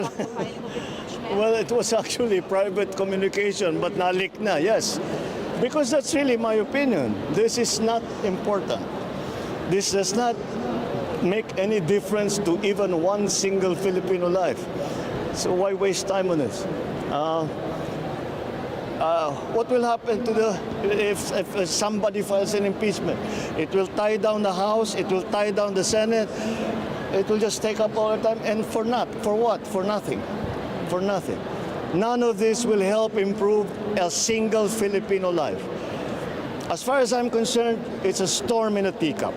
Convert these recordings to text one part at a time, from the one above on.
Well, it was actually private communication, but nalik na, yes. Because that's really my opinion. This is not important. This does not make any difference to even one single Filipino life. So why waste time on this? What will happen to if somebody files an impeachment? It will tie down the House, it will tie down the Senate, it will just take up all the time, and for what? For nothing. For nothing. None of this will help improve a single Filipino life. As far as I'm concerned, it's a storm in a teacup.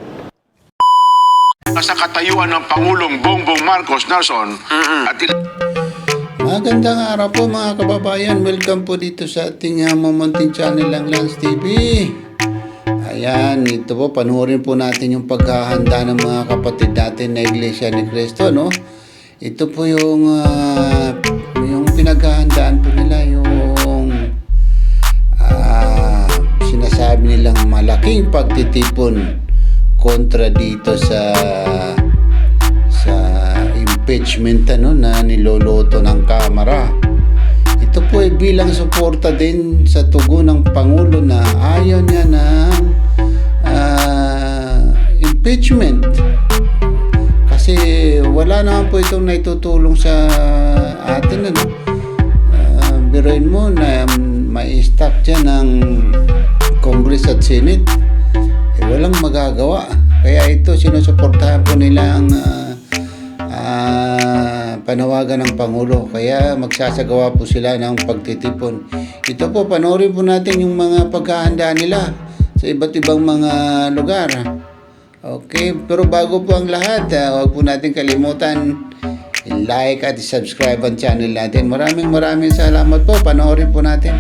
Sa katayuan ng Pangulong Bongbong Marcos Nelson at Magandang araw po mga kababayan. Welcome po dito sa ating Mamunting Channel ng Lance TV. Ayan, ito po, panuorin po natin yung paghahanda ng mga kapatid natin na Iglesia ni Cristo, no? Ito po yung pinaghahandaan po nila, yung sinasabi nilang malaking pagtitipon kontra dito sa impeachment na niloloto ng Kamara. Ito po ay bilang suporta din sa tugon ng Pangulo na ayaw niya ng impeachment. Kasi wala naman po itong naitutulong sa atin. Biruin mo na mai-stack dyan ng Congress at Senate. Walang magagawa. Kaya ito, sinusuportahan po nila ang panawagan ng Pangulo. Kaya magsasagawa po sila ng pagtitipon. Ito po, panoorin po natin yung mga paghahanda nila sa iba't ibang mga lugar. Okay, pero bago po ang lahat, huwag po natin kalimutan i-like at i-subscribe ang channel natin. Maraming salamat po. Panoorin po natin.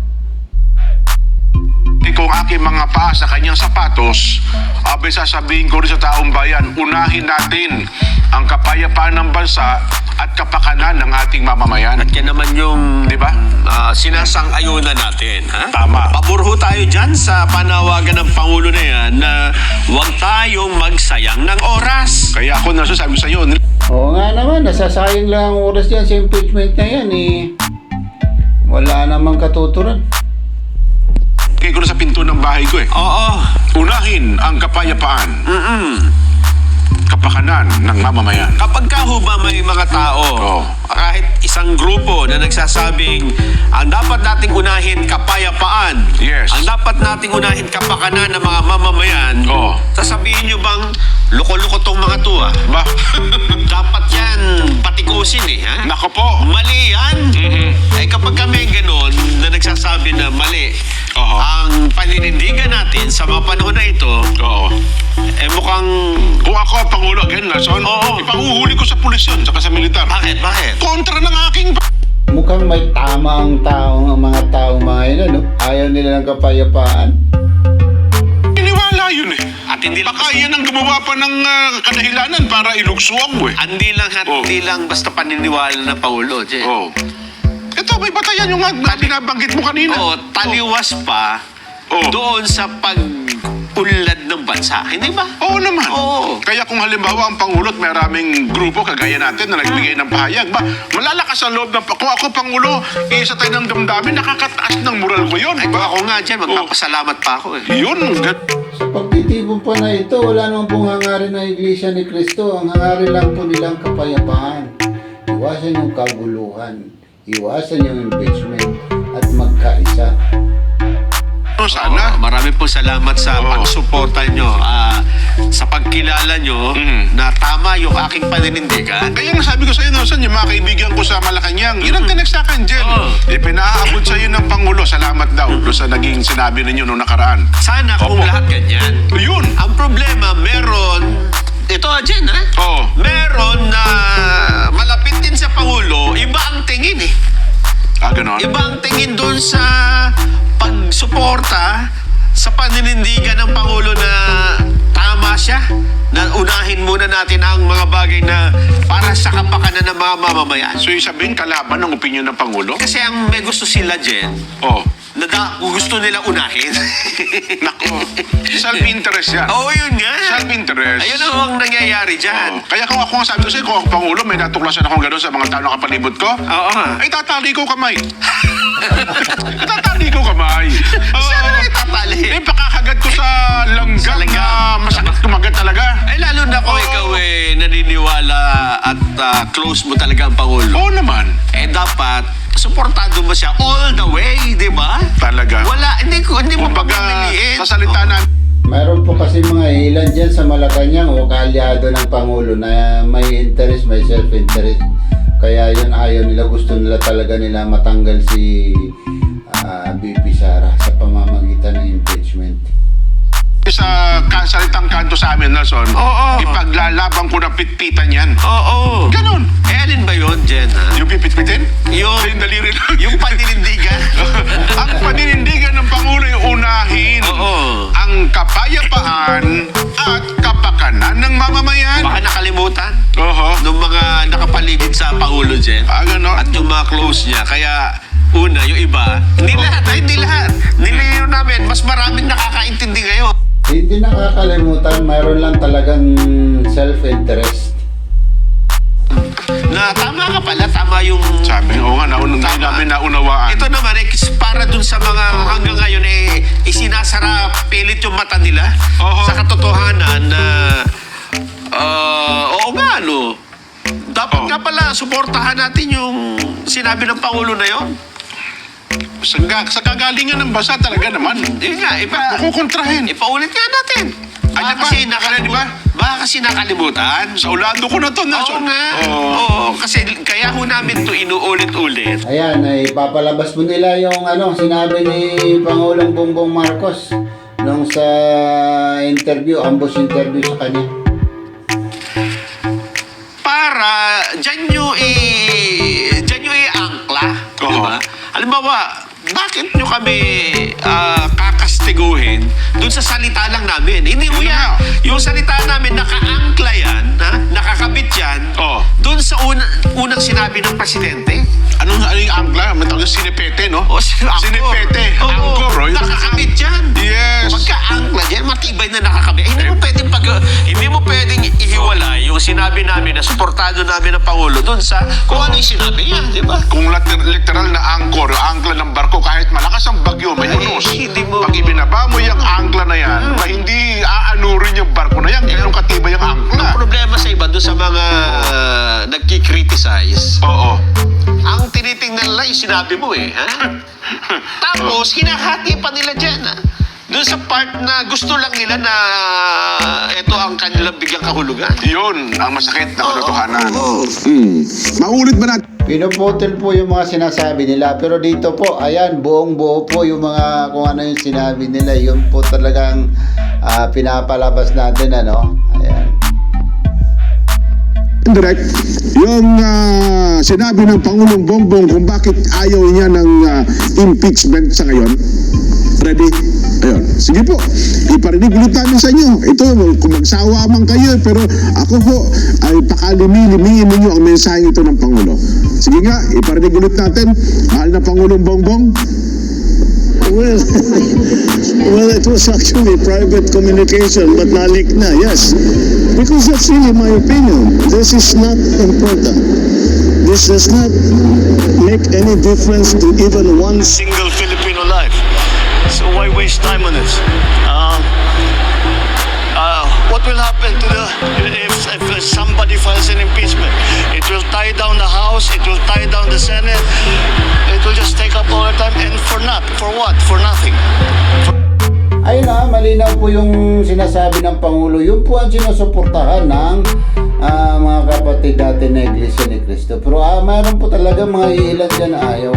kung aking mga paa sa kanyang sapatos, abay sasabihin ko rin sa taong bayan, unahin natin ang kapayapaan ng bansa at kapakanan ng ating mamamayan. At yan naman yung, di ba? sinasang-ayunan natin. Ha? Tama. Pabor ho tayo dyan sa panawagan ng Pangulo na yan na huwag tayong magsayang ng oras. Kaya ako nasasabi sa iyo, Oo nga naman, nasasayang lang ang oras dyan sa impeachment na yan Wala namang katuturan. kaya ko na sa pinto ng bahay ko Oo. Unahin ang kapayapaan, kapakanan ng mamamayan. Kapag ka ho ba may mga tao, kahit isang grupo na nagsasabing ang dapat nating unahin kapayapaan, Yes. ang dapat nating unahin kapakanan ng mga mamamayan, sasabihin nyo bang loko-loko tong mga to Ba? dapat yan patikusin ha? Nako po. Mali yan. Eh kapag kami gano'n na nagsasabi na mali, ang paninindigan natin sa mga panahon na ito, mukhang... Kung ako ang Pangulo again, Nelson, ipanguhuli ko sa pulis yun, saka sa militar. Bakit? Kontra ng aking... Mukhang may tamang taong ang mga taong mga yun, Ayaw nila ng kapayapaan. Iniwala yun At hindi lang Baka yan ang gumawa pa ng kadahilanan para ilugsuang mo Hindi lang basta paniniwala ng Paulo, Che. Ito, may batayan yung binabanggit mo kanina. Taliwas pa doon sa pag-unlad ng bansa. Hindi ba? Oo naman. Oo. Kaya kung halimbawa ang Pangulo at maraming grupo kagaya natin na nagbigay ng pahayag, malalakas ang loob ng... Kung ako Pangulo, isa tayo ng damdamin, nakakataas ng moral ko yun. Ay, kung ako nga dyan, magpapasalamat pa ako Yun. Sa pagtitipon pa na ito, wala naman pong hangarin ng Iglesia ni Cristo. Ang hangarin lang po nilang kapayapaan. Iwasan yung kaguluhan. Iwasan yung impeachment. At magkaisa. Sana. Marami po salamat sa pagsuporta nyo, sa pagkilala nyo na tama yung aking paninindigan. Kaya nga sabi ko sa iyo, Nelson, yung mga kaibigan ko sa Malacanang, yun ang tinext sa akin, Jen. Pinaaabot sa iyo ng Pangulo, salamat daw sa naging sinabi ninyo noong nakaraan. Sana kung lahat ganyan. Yun. Ang problema, meron... Ito, Jen, meron na malapit din sa Pangulo, iba ang tingin Ganon. Iba ang tingin doon sa pagsuporta sa paninindigan ng Pangulo na tama siya, na unahin muna natin ang mga bagay na para sa kapakanan ng mga mamamayan. So yung sabihin, kalaban ng opinion ng Pangulo? Kasi ang may gusto sila, Jen, Oh, gusto nila unahin. nako. Self-interest yan. Oo, yun nga. Self-interest. Ayun ang nangyayari dyan. Oh. Kaya kung ako nga sabi ko sa'yo, kung ako Pangulo, may natuklasan akong gano'n sa mga tao na kapalibot ko, Oo nga. ay tatali ko kamay. Tatali ko kamay. Saan na itatali? Eh, pakakagat ko sa langgam Sa langgam. na masakit kumagat talaga. Ay, lalo na kung Oo. ikaw naniniwala at close mo talaga ang Pangulo. Oo naman. Eh, dapat, suportado mo siya all the way, di ba? Talaga. Wala, hindi mo Kumbaga, pagpapiliin. sa salita na, Mayroon po kasi mga ilan dyan sa Malacanang o kaalyado ng Pangulo na may interest, may self-interest. Kaya yun ayaw nila, gusto nila talaga nila matanggal si BP Sara sa pamamagitan ng impeachment. sa salitang kanto sa amin, Nelson, Oo. ipaglalaban ko ng pitpitan yan. Oo. Ganon. Eh, alin ba yun, Jen, ha? Yung pipitpitin? Yung daliri lang. yung paninindigan. Ang paninindigan ng Pangulo yung unahin. Oo. Ang kapayapaan at kapakanan ng mamamayan. Baka nakalimutan Oho. ng mga nakapaligid sa Pangulo, Jen. Ganon. At yung mga close niya. Kaya, una, yung iba, hindi lahat. Nilinaw namin, mas maraming nakakaintindi ngayon. Hindi nakakalimutan, mayroon lang talagang self-interest. Na tama ka pala, tama yung... Sabi, oo nga, namin naunawaan. Ito naman, para dun sa mga hanggang ngayon, isinasara pilit yung mata nila Oho. sa katotohanan na, oo nga, no. Dapat Oh. nga pala, suportahan natin yung sinabi ng Pangulo na yon. Sa kagalingan ng basa talaga naman. Yun nga, Kukontrahin. ipaulit nga natin. Ano ba? Baka kasi nakalimutan. Sa ulado ko na to, Oo Nelson. nga. Oo. Oo, kasi kaya ho namin to inuulit-ulit. Ayan, ay papalabas mo nila yung sinabi ni Pangulong Bongbong Marcos nung sa interview, ambush interview sa kanya. Para dyan nyo i-angkla. Oo. Diba? Halimbawa, bakit nyo kami kakastiguhin dun sa salita lang namin? Hindi mo Yun yan. nga. Yung salita namin, naka-angkla yan, nakakabit yan, Oo. dun sa unang sinabi ng presidente. Ano yung angkla? May tawag sinipete, no? O, angkor. Sinipete. Oo, Angkor, oh. nakakabit yan. Yes. Pagka-angkla dyan, matibay na nakakabit. Hindi mo pwedeng ihiwalay yung sinabi namin na suportado namin ng Pangulo dun sa kung ano yung sinabi niya, di ba? Kung literal na angkor, yung angkla ng barko, kahit malakas ang bagyo, may Ay, unos. hindi mo- Pag ibinaba mo yung angkla na yan, hindi aanurin yung barko na yan. Ganun katibay yung angkla. Ang problema sa iba, doon sa mga nagki-criticize, Oo. ang tinitingnan nila yung sinabi mo ha? Tapos, hinahati pa nila dyan, ha? Doon sa part na gusto lang nila na ito ang kanilang bigyang kahulugan. Yun ang masakit na katotohanan. Maulit ba natin? Pinuputol po yung mga sinasabi nila, pero dito po, ayan, buong buo po yung mga kung ano yung sinabi nila, yun po talagang pinapalabas natin, ayan. Direct, yung sinabi ng Pangulong Bongbong kung bakit ayaw niya ng impeachment sa ngayon. Ready? Ayun. Sige po, iparinig ulit namin sa inyo. Ito, kung magsawa man kayo, pero ako po ay pakalimi-limiin ninyo ang mensahe ito ng Pangulo. Sige nga, iparinig ulit natin. Mahal na Pangulong Bongbong. Well, it was actually private communication, but nalik na, yes. Because that's really my opinion. This is not important. This does not make any difference to even one Single Filipino life. So why waste time on it? What will happen to if somebody files an impeachment? It will tie down the House, it will tie down the Senate, it will just take up all the time, and for what? For nothing. Ayun malinaw po yung sinasabi ng Pangulo. Yun po ang sinusuportahan ng mga kapatid natin na Iglesia ni Cristo. Pero mayroon po talaga mga ilan dyan na ayaw.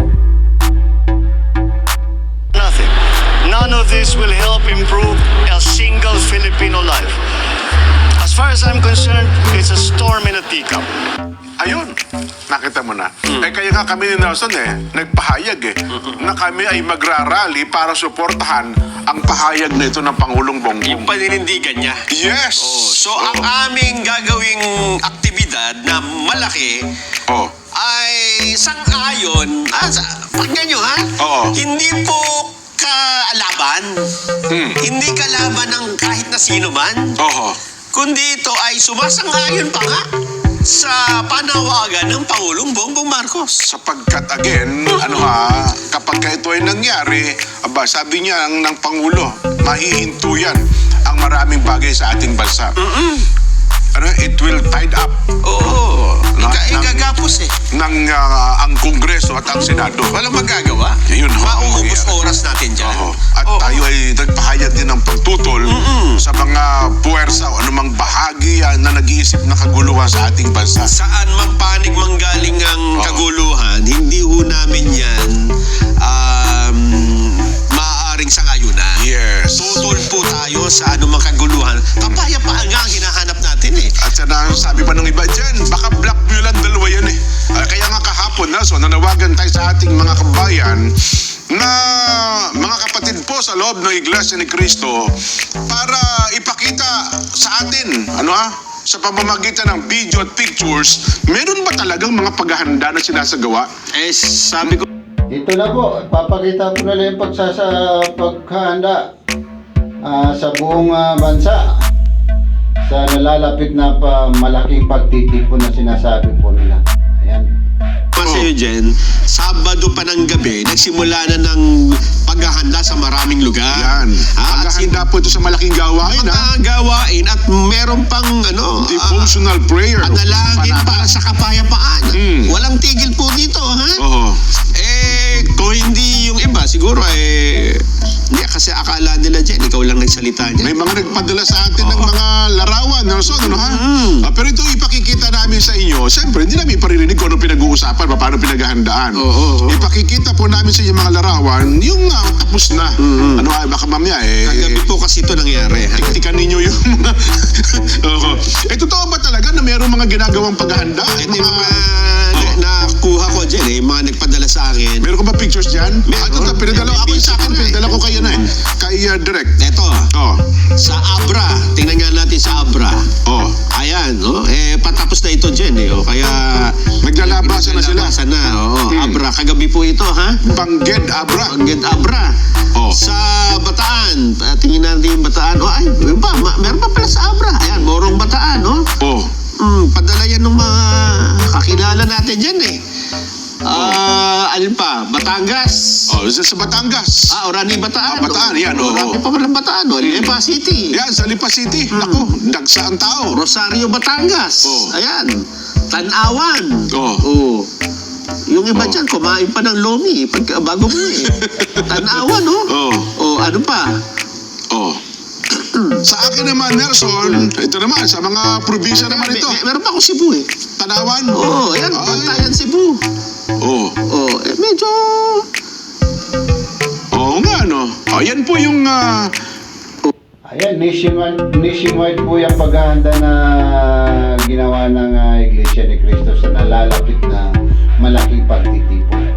Nothing. None of this will help improve a single Filipino life. As far as I'm concerned, it's a storm in a teacup. Ayun, nakita mo na. Kaya nga kami ni Nelson nagpahayag na kami ay magrarally para suportahan ang pahayag na ito ng Pangulong Bongbong. Yung paninindigan niya. Yes! So, ang aming gagawing aktibidad na malaki Oh. ay sang-ayon. Pakinggan nyo, ha? Oo. Hindi po kalaban. Hindi kalaban ng kahit na sino man. Oho. Kundi ito ay sumasang-ayon pa nga sa panawagan ng Pangulong Bongbong Marcos. Sapagkat again, kapag ito ay nangyari, sabi niya ng Pangulo, mahihinto yan ang maraming bagay sa ating bansa. It will tide up Oo. Ikagapos eh. ng ang Kongreso at ang Senado. Walang magagawa. Yun ho, ang Mauubos mangyayari. oras natin dyan. Oho. At tayo ay nagpahayag din ng pagtutol sa mga puwersa o anumang bahagi na nag-iisip na kaguluhan sa ating bansa. Saan man panig manggaling ang kaguluhan, hindi ho namin yan maaaring sangayunan. Yes. Tutol po tayo sa anumang kaguluhan. Kapayapaan nga ang hinahanap natin eh. At sabi pa ng iba dyan, baka blackmail ang dalawa yan eh. Kaya nga kahapon, nanawagan tayo sa ating mga kabayan na mga kapatid po sa loob ng Iglesia ni Cristo para ipakita sa atin, sa pamamagitan ng video at pictures, meron ba talagang mga paghahanda na sinasagawa? Sabi ko, Ito na po, papakita ko na lang yung paghahanda sa buong bansa sa nalalapit na malaking pagtitipon na sinasabi po nila. Ayan. sa'yo, Jen, Sabado pa ng gabi, nagsimula na ng paghahanda sa maraming lugar. Yan. At Paghahanda po ito sa malaking gawain, mga gawain at meron pang devotional prayer. panalangin para sa kapayapaan. Walang tigil po dito, ha? Oo. Kung hindi yung iba, siguro hindi kasi akala nila dyan, ikaw lang nagsalita niya. May mga nagpadala sa atin ng mga larawan, Nelson, ha? Pero ito ipakikita namin sa inyo. Siyempre, hindi namin paririnig kung ano pinag-uusapan, paano pinaghahandaan. Ipakikita po namin sa inyo mga larawan, yung tapos na. Baka mamaya Kagabi po kasi ito nangyari. tiktikan ninyo yung mga... totoo ba talaga na mayroong mga ginagawang paghahanda? Ito yung mga nakuha ko dyan, mga nagpadala sa akin. Meron ka ba pictures dyan? Ito, pinadala ako sa akin, pinadala ko kayo na kay Direct. Ito, sa Abra. Tingnan nga natin sa Abra. Ayan, patapos na ito dyan, kaya... Naglalabasan na sila. Naglalabasan na, Abra. Kagabi po ito, ha? Bangged Abra. Bangged Abra. Sa Bataan. Tingnan natin yung Bataan. Meron pa pala sa Abra. Ayan, Morong Bataan, padala yan ng mga kakilala natin dyan, alin pa? Batangas. Sa Batangas. Orani Bataan. Bataan, yan, Orani pa pala Bataan, Lipa City. Yan, sa Lipa City. Naku, dagsa ang tao. Rosario, Batangas. Ayan. Tanawan. Yung iba dyan, kumain pa ng lomi bago mo Tanawan, ano pa? Sa akin naman, Nelson, ito naman, sa mga probinsya naman ito. Meron pa ako Cebu Tanawan? Ayan, Bantayan Cebu. Medyo... Oo nga, yan po yung... Ayan, nationwide po yung paghahanda na ginawa ng Iglesia ni Cristo sa nalalapit na malaking pagtitipon.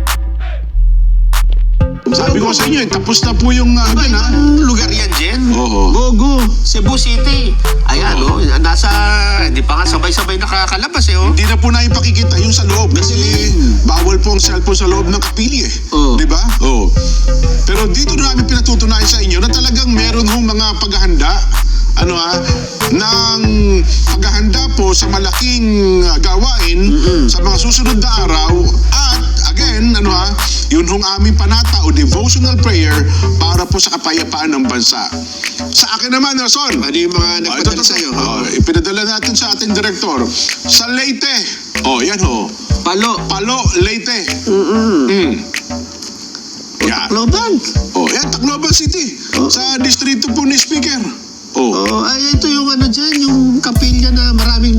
Sabi ko sa inyo, tapos na po yung... Ibang lugar yan, Jen. Gogo, Cebu City. Ayan, hindi pa nga sabay-sabay nakakalabas, Hindi na po na ipakikita yung sa loob kasi bawal po ang cellphone sa loob ng kapili, Di ba? Pero dito na namin pinatutunayan sa inyo na talagang meron hong mga paghahanda ng paghahanda po sa malaking gawain sa mga susunod na araw at again, yun hong aming panata o devotional prayer para po sa kapayapaan ng bansa. Sa akin naman, Nelson, Ano yung mga nagpadala sa'yo? ipinadala natin sa ating direktor. Sa Leyte. Yan Palo, Leyte. Tacloban. Yan, Tacloban City. Sa distrito po ni Speaker. Ito yung dyan, yung kapilya na maraming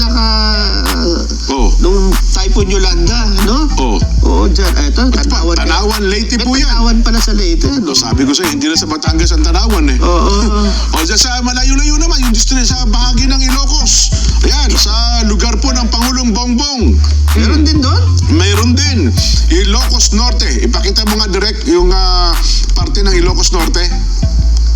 nung Typhoon Yolanda, dyan. Ito, Tanawan. Tanawan, Leyte po yan. Tanawan pala sa Leyte, Sabi ko sa'yo, hindi na sa Batangas ang Tanawan dyan sa malayo-layo naman, yung distrito sa bahagi ng Ilocos. Ayan, sa lugar po ng Pangulong Bongbong. Meron din doon? Mayroon din. Ilocos Norte. Ipakita mo nga direct yung parte ng Ilocos Norte.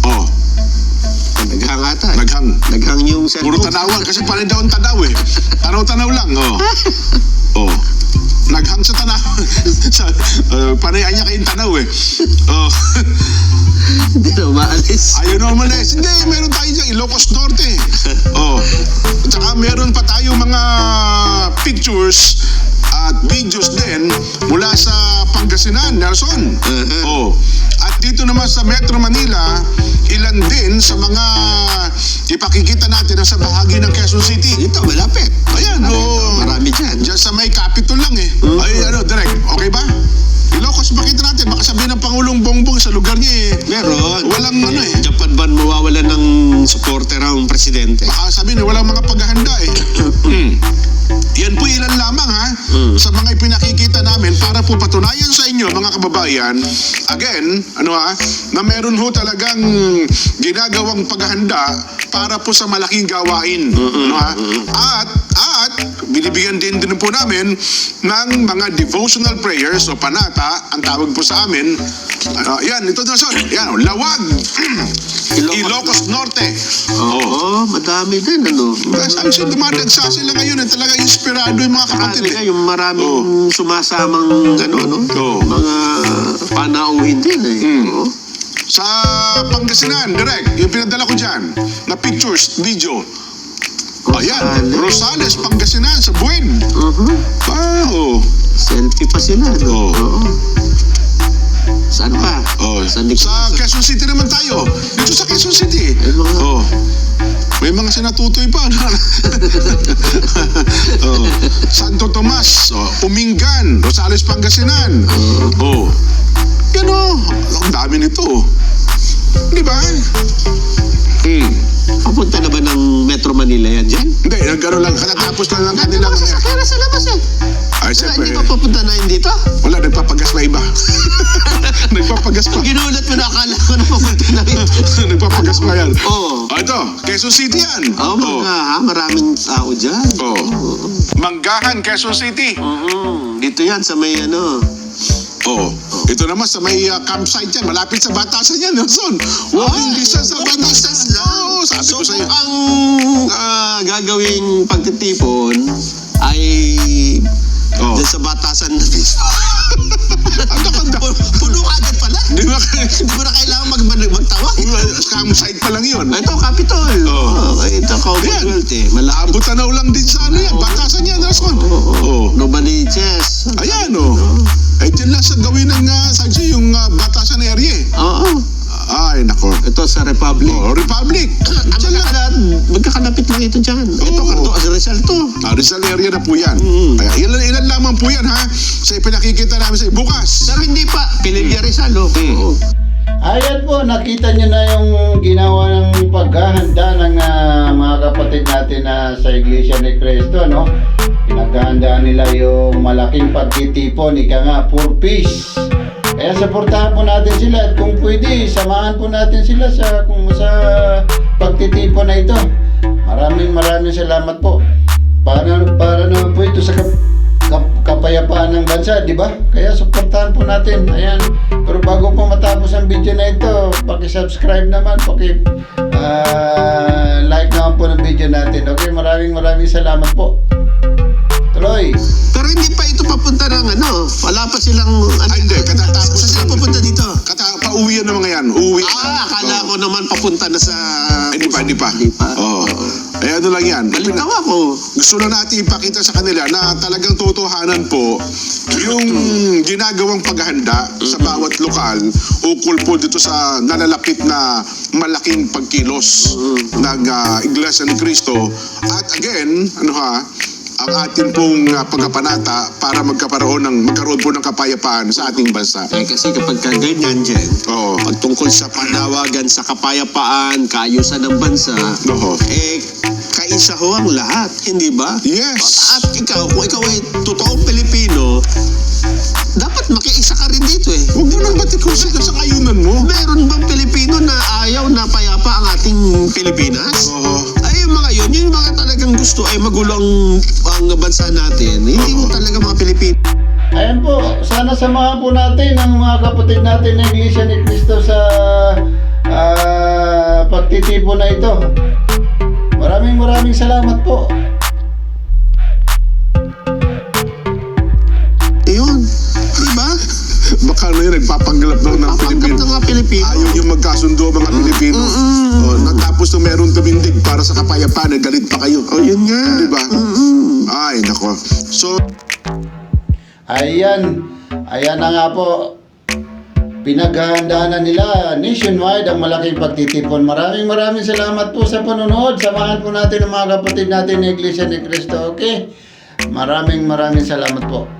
Oh, Naghang ata. naghang. Naghang yung Puro cellphone. tanawan kasi panay daw ang tanaw eh. Tanaw-tanaw lang, oh. Oh. Naghang sa tanaw. Panayan niya kayong tanaw eh. Oh. Hindi na umaalis. Ayaw na umalis. Hindi, meron tayo dyan, Ilocos Norte. Oh. At saka meron pa tayo mga pictures at videos din mula sa Pangasinan, Nelson. Oh. At dito naman sa Metro Manila, ilan din sa mga ipakikita natin sa bahagi ng Quezon City. Ito, malapit. Ayan, oh. Marami dyan. Diyan sa may Capitol lang eh. Ay, ano, direct. Okay ba? Ilocos, makita natin. Baka sabihin ng Pangulong Bongbong sa lugar niya eh. Meron. Walang ano eh. Japan ba mawawalan ng supporter ang presidente? Baka sabihin eh, walang mga paghahanda eh. Yan po ilan lamang ha, sa mga ipinakikita namin para po patunayan sa inyo mga kababayan, again, ano ha, na meron ho talagang ginagawang paghahanda para po sa malaking gawain. Ano ha? At binibigyan din po namin ng mga devotional prayers o panata, ang tawag po sa amin. Yan, ito na son. Yan, Lawag. Ilocos Norte. Oo, madami din, ano? Sabi siya, dumadagsa sila ngayon at talaga inspirado yung mga kapatid. Marami yung maraming sumasamang, ano, Oo. mga panauhin din eh. Oo. Sa Pangasinan, direct, yung pinadala ko dyan, na pictures, video. Ayan, Rosales, Pangasinan, sa Buen. Wow. Selfie pa sila, no? Oo. Oo. Saan pa? Oh, Saan di- sa Quezon City naman tayo. Dito sa Quezon City. Ay, mga- Oh. May mga sinatutoy pa. Oh. Santo Tomas, Umingan, Rosales, Pangasinan. Oh. Yan oh. Ang dami nito. Di ba? Papunta na ba ng Metro Manila yan dyan? Hindi, nagkaroon lang. Katatapos lang ng kanilang... Kaya sa labas eh. Ay, Wala, siyempre. hindi pa papunta na yun dito? Wala, nagpapagas pa iba. Nagpapagas pa. Ginulat mo na, akala ko na papunta na rin. Nagpapagas pa yan. Oo. Ito, Quezon City yan. Oo, maraming tao dyan. Manggahan, Quezon City. Dito yan sa may ano. Oh, ito naman sa may campsite yan, malapit sa Batasan yan, Nelson. Walking distance sa Batasan. Oo, sabi ko So sa'yo. ang gagawing pagtitipon ay dyan sa Batasan na mismo. Ang ganda. Puno agad pala. Di ba? Hindi mo na kailangan magtawag. Campsite pa lang yun. Ito, Capitol. Ito, Commonwealth eh. Malabo. Abot tanaw lang din sa ano yan, Batasan yan, Nelson. Oh. Novaliches. Ayan, oh. Ay, dyan lang sa gawin ng, sadyo, yung Batasan area eh. Oo. Ay, nako. Ito sa Republic. Oh, Republic. Dyan lang. Magkakalapit lang ito dyan. Ito, Rizal to. Rizal area na po yan. Kaya ilan lamang po yan ha, sa ipinakikita namin sa bukas. Pero hindi pa. Pililya Rizal, oh. Oo. Ayan po, nakita nyo na yung ginawa ng paghahanda ng mga kapatid natin na sa Iglesia ni Cristo, no? Pinaghahandaan nila yung malaking pagtitipon, ika nga, for peace. Kaya supportahan po natin sila at kung pwede, samahan po natin sila sa pagtitipon na ito. Maraming salamat po. Para naman po ito sa kapayapaan ng bansa, di ba? Kaya supportahan po natin. Ayan. Pero bago po matapos ang video na ito, paki-subscribe naman, like naman po ng video natin. Okay, maraming salamat po. Tuloy. Pero hindi pa ito papunta ng ano. Wala pa silang... Ay, hindi. Katatapos. Saan sila papunta dito? Pauwi yan ng mga yan. Uwi. Akala ko naman papunta na sa... Hindi pa. Hindi pa. Oo. Eh, ano lang yan. Balitaw ako. Gusto na natin ipakita sa kanila na talagang totohanan po yung ginagawang paghahanda sa bawat lokal ukol po dito sa nalalapit na malaking pagkilos ng Iglesia ni Cristo. At again, ang atin pong pagkapanata para magkaroon po ng kapayapaan sa ating bansa. Eh kasi kapag ganyan dyan, Oo. pagtungkol sa panawagan sa kapayapaan, kaayusan ng bansa, Oo. kaisa ho ang lahat, hindi ba? Yes. At kung ikaw ay totoong Pilipino, dapat makiisa ka rin dito eh. Huwag mo nang batikusin ka sa kayunan mo. Meron bang Pilipino na ayaw na payapa ang ating Pilipinas? Oo. Ay, yung mga yun, yung mga talagang gusto ay magulo ang bansa natin. Hindi mo talaga mga Pilipino. Ayan po, sana samahan po natin ang mga kapatid natin ng Iglesia ni Cristo sa pagtitipon na ito. Maraming salamat po. Ayun, di ba? Baka na yun, nagpapanggap daw ng Papanggap Pilipino. ng mga Pilipino. Ayaw yung magkasundo mga Pilipino. Natapos na meron tumindig para sa kapayapaan, galit pa kayo. Oh, yun nga. Di ba? Ay, nako. So, Ayan na nga po. Pinaghahandaan na nila nationwide ang malaking pagtitipon. Maraming salamat po sa panonood. Samahan po natin ang mga kapatid natin ng Iglesia ni Cristo. Okay? Maraming salamat po.